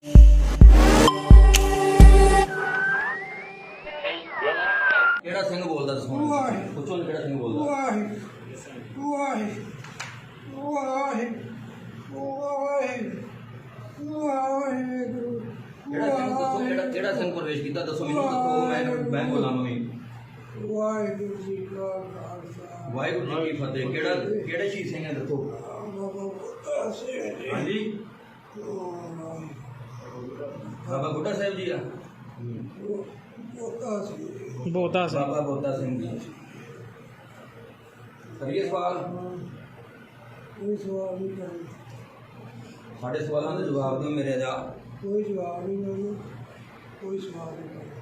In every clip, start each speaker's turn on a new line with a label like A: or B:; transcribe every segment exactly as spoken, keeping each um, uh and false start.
A: ਕਿਹੜਾ ਸਿੰਘ ਬੋਲਦਾ ਦੱਸੋ ਪੁੱਛੋ ਕਿਹੜਾ ਸਿੰਘ ਬੋਲਦਾ
B: ਵਾਹਿ ਵਾਹਿ ਵਾਹਿ ਵਾਹਿਗੁਰੂ
A: ਕਿਹੜਾ ਸਿੰਘ ਦੱਸੋ ਕਿਹੜਾ ਕਿਹੜਾ ਸਿੰਘ ਪ੍ਰਵੇਸ਼ ਕੀਤਾ ਦੱਸੋ ਮੈਨੂੰ ਦੱਸੋ ਮੈਂ ਮੈਂ ਬੋਲਾਂ ਮੈਂ
B: ਵਾਹਿਗੁਰੂ ਜੀ ਕਾ ਖਾਲਸਾ
A: ਵਾਹਿਗੁਰੂ ਜੀ ਕੀ ਫਤਿਹ ਕਿਹੜਾ ਕਿਹੜੇ ਸ਼ਹੀਦ ਸਿੰਘ ਹੈ ਦੱਸੋ ਹਾਂਜੀ ਬਾਬਾ ਬੁੱਢਾ ਸਾਹਿਬ ਜੀ ਆ
B: ਬੋਤਾ ਸੀ
A: ਬਾਬਾ ਬੋਤਾ ਸਿੰਘ ਜੀ ਕਰੀਏ ਸਵਾਲ
B: ਕੋਈ ਸਵਾਲ ਨਹੀਂ ਕਰਨਾ
A: ਸਾਡੇ ਸਵਾਲਾਂ ਦੇ ਜਵਾਬ ਦਿਓ ਮੇਰੇ ਦਾ
B: ਕੋਈ ਜਵਾਬ ਨਹੀਂ ਮੈਨੂੰ ਕੋਈ ਸਵਾਲ ਨਹੀਂ ਕਰਨਾ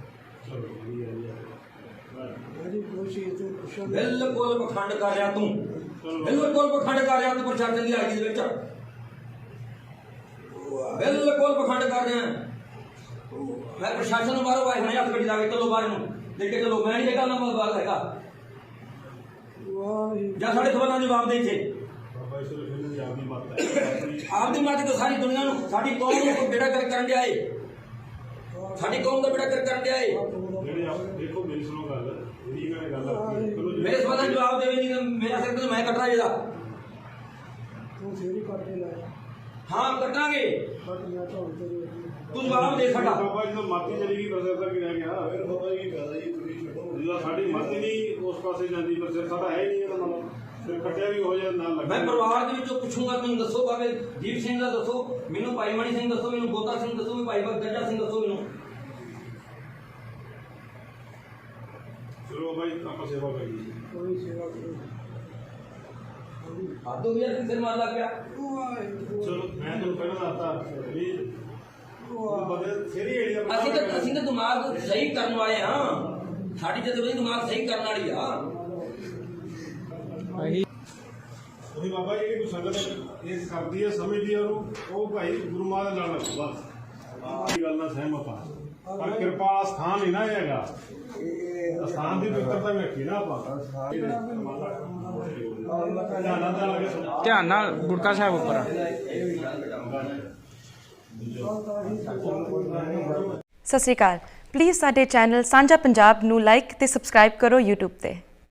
B: ਮੇਰੀ ਕੋਸ਼ਿਸ਼ ਤੋਂ ਪੁੱਛਣ
A: ਬਿਲਕੁਲ ਪਖੰਡ ਕਰ ਰਿਹਾ ਤੂੰ ਬਿਲਕੁਲ ਪਖੰਡ ਕਰ ਰਿਹਾ ਤੂੰ ਪ੍ਰਸ਼ਾਸਨ ਦੀ ਹਾਜ਼ਰੀ ਦੇ ਵਿੱਚ ਬਿਲਕੁਲ ਪਖੰਡ ਕਰ ਰਿਹਾ ਮੈਂ ਪ੍ਰਸ਼ਾਸਨ ਨੂੰ ਬਾਹਰੋਂ ਆਏ ਹੁਣੇ ਹੱਥ ਗੱਡੀ ਲਾ ਕੇ ਚਲੋ ਬਾਹਰ ਨੂੰ ਦੇਖ ਕੇ ਚਲੋ ਮੈਂ ਨਹੀਂ ਹੈਗਾ ਨਾ ਬਾਹਰ ਹੈਗਾ ਜਾਂ ਸਾਡੇ ਸਵਾਲਾਂ ਦੇ ਜਵਾਬ ਦੇ ਇੱਥੇ ਆਪਦੀ ਮਾਤ ਤੋਂ ਸਾਰੀ ਦੁਨੀਆ ਨੂੰ ਸਾਡੀ ਕੌਮ ਨੂੰ ਬੇੜਾ ਕਰ ਕਰਨ ਦੇ ਆਏ ਸਾਡੀ ਕੌਮ ਦਾ ਬੇੜਾ ਕਰ ਕਰਨ ਦੇ ਆਏ
C: ਦੇਖੋ ਮੇਰੀ ਸੁਣੋ ਗੱਲ ਇਹਦੀ ਗੱਲ ਗੱਲ
A: ਮੇਰੇ ਸਵਾਲਾਂ ਦੇ ਜਵਾਬ ਦੇਵੇ ਨਹੀਂ ਮੇਰਾ ਸਿਰ ਤੇ ਮੈਂ ਕੱਟਣਾ ਇਹਦਾ
B: ਤੂੰ ਫੇਰੀ ਕਰਦੇ ਲਾਇਆ
A: ਹਾਂ ਕੱਟਾਂਗੇ
B: ਬਟ ਮੈਂ ਤਾਂ ਹੁਣ ਤੇ
A: ਤੂੰ ਜਵਾਬ ਦੇ ਸਾਡਾ
C: ਬਾਬਾ ਜੀ ਤੋਂ ਮਾਤੀ ਚਲੀ ਗਈ ਪ੍ਰੋਸੈਸਰ ਕਿ ਰਹਿ ਗਿਆ ਫਿਰ ਬਾਬਾ ਜੀ ਫਾਇਦਾ ਜੀ ਤੁਸੀਂ ਛੱਡੋ ਜਿਹੜਾ ਸਾਡੀ ਮਾਤੀ ਨਹੀਂ ਉਸ ਪਾਸੇ ਜਾਂਦੀ ਪ੍ਰੋਸੈਸਰ ਸਾਡਾ ਹੈ ਹੀ ਨਹੀਂ ਇਹਦਾ ਮਤਲਬ ਫਿਰ ਕੱਟਿਆ ਵੀ ਹੋ ਜਾਏ ਨਾ ਲੱਗੇ
A: ਮੈਂ ਪਰਿਵਾਰ ਦੇ ਵਿੱਚੋਂ ਪੁੱਛੂੰਗਾ ਮੈਨੂੰ ਦੱਸੋ ਬਾਬੇ ਦੀਪ ਸਿੰਘ ਦਾ ਦੱਸੋ ਮੈਨੂੰ ਭਾਈ ਮਣੀ ਸਿੰਘ ਦੱਸੋ ਮੈਨੂੰ ਬੋਤਾ ਸਿੰਘ ਦੱਸੋ ਮੈਨੂੰ ਭਾਈ ਗੱਜਾ ਸਿੰਘ ਦੱਸੋ ਮੈਨੂੰ
C: ਚਲੋ ਬਾਈ ਆਪਾਂ ਸੇਵਾ ਕਰੀਏ
B: ਕੋਈ ਸੇਵਾ ਕਰੋ
A: ਆਦੋ ਵੀ ਯਾਰ ਸਿਰ ਮਾਰ ਲੱਗ ਗਿਆ
B: ਵਾਹਿਗੁਰੂ
C: ਚਲੋ ਮੈਂ ਤੁਹਾਨੂੰ ਪਹਿਲਾਂ ਦੱਸਤਾ ਵੀ ਉਹ ਬਦਲ ਸੇਰੀ ਏਰੀਆ
A: ਅਸੀਂ ਤਾਂ ਅਸੀਂ ਤਾਂ ਦਿਮਾਗ ਸਹੀ ਕਰਨ ਵਾਲੇ ਹਾਂ ਸਾਡੀ ਜਦ ਦਿਮਾਗ ਸਹੀ ਕਰਨ ਵਾਲੀ ਆ
C: ਉਹੀ ਬਾਬਾ ਜੀ ਜਿਹੜੀ ਸੰਗਤ ਇਹ ਕਰਦੀ ਹੈ ਸਮਝਦੀ ਹੈ ਉਹਨੂੰ ਉਹ ਭਾਈ ਗੁਰੂ ਮਹਾਰਾਜ ਨਾਲ ਲੱਗੋ ਬਸ ਆਹ ਗੱਲ ਨਾਲ ਸਹਿਮਤ ਆ ਪਰ ਕਿਰਪਾ ਸਥਾਨ ਨਹੀਂ ਨਾ ਹੈਗਾ ਸਥਾਨ ਦੀ ਪਵਿੱਤਰਤਾ ਵੇਖੀ ਨਾ ਆਪਾਂ
D: ਧਿਆਨ ਨਾਲ ਗੁਟਕਾ ਸਾਹਿਬ ਉੱਪਰ
E: ਸਤਿ ਸ਼੍ਰੀ ਅਕਾਲ ਪਲੀਜ਼ ਸਾਡੇ ਚੈਨਲ ਸਾਂਝਾ ਪੰਜਾਬ ਨੂੰ ਲਾਈਕ ਤੇ ਸਬਸਕ੍ਰਾਈਬ ਕਰੋ YouTube ਤੇ।